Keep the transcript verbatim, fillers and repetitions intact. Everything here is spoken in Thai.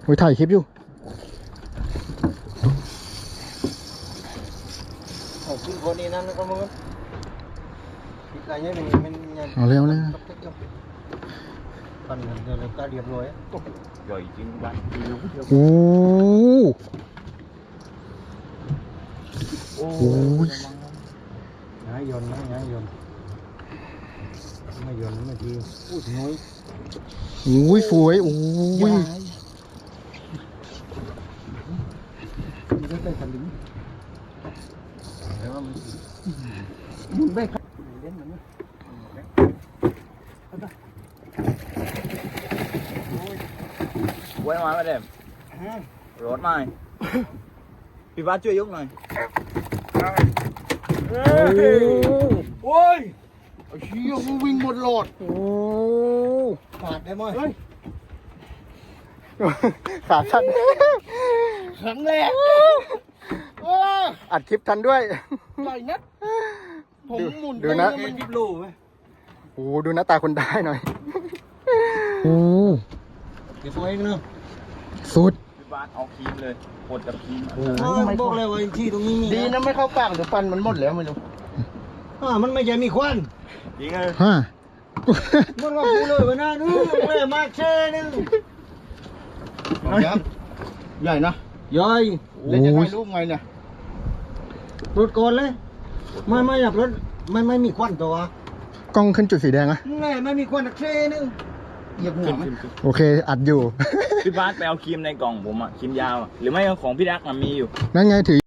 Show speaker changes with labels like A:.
A: โอ้ยถ่ายคลิปอยู่
B: เอาขึ้นคนนี้นั่นก็มึงคิดอะไรเนี่ยมันมัน
A: เอาเร็วเลย
B: ปั่นเดี๋ยวเราก็เรียบร้อย
C: ใหญ่จริงบ้าน
A: โอ้โห
B: ง่ายยนต์นะง่ายยนต์ไม่ยนต์ไม่ทีพูดน้อย
A: โอ้ยสวยโอ้ย
B: ไม่ได้เป็นสลิงแต่ว่ามันมุนไปครับเล่นมันนะ
C: ไว้มาไม่ได้รถมาพี่บ้านช่วยยกหน่อย
B: โอ้ยไอ้เชี่ยมึงวิ่งหมดหลอด
A: โอ้
B: ขาดได้ไหม
A: ขาสั้น
B: ครั้งแรก
A: อัดคลิปทันด้วย
B: ใหญ่นัดผมหมุน
A: ดูนะ
B: มันยิบลูไหม
A: โอ้ดูหน้าตาคนได้หน่อยโอ้
B: เดี๋ยวตัวเองเนาะ
A: สุด
C: พี่บ้านเอาครีมเลยกดกับครีม
B: บอกเลยว่าที่ตรงนี้มี
D: ดีนะไม่เข้าปากเดี๋ยวฟันมันหมดแล้วไม่รู้
B: อ่ามันไม่ใช่มีควัน
C: จริงเลย
A: ฮะ
B: มันว่ากูเลยวันนั้นนู้นเลยมาแค่นึง
D: ยับใหญ่นะ
B: ย่อย
D: เล่นจะถ่ายรูปไงเนี่ย
B: รถก่อนเลยไม่ไม่อยากรถไม่ไม่มีควันตัว
A: กล้องขึ้นจุดสีแดงอะ
B: แน่ไม่มีควันแค่นึง
D: เหยียบหัวไหม
A: โอเคอัดอยู่
C: พี่บ้านไปเอาครีมในกล่องผมอะครีมยาวอะหรือไม่ของพี่ดักมันมีอยู่
A: นั่นไงถือ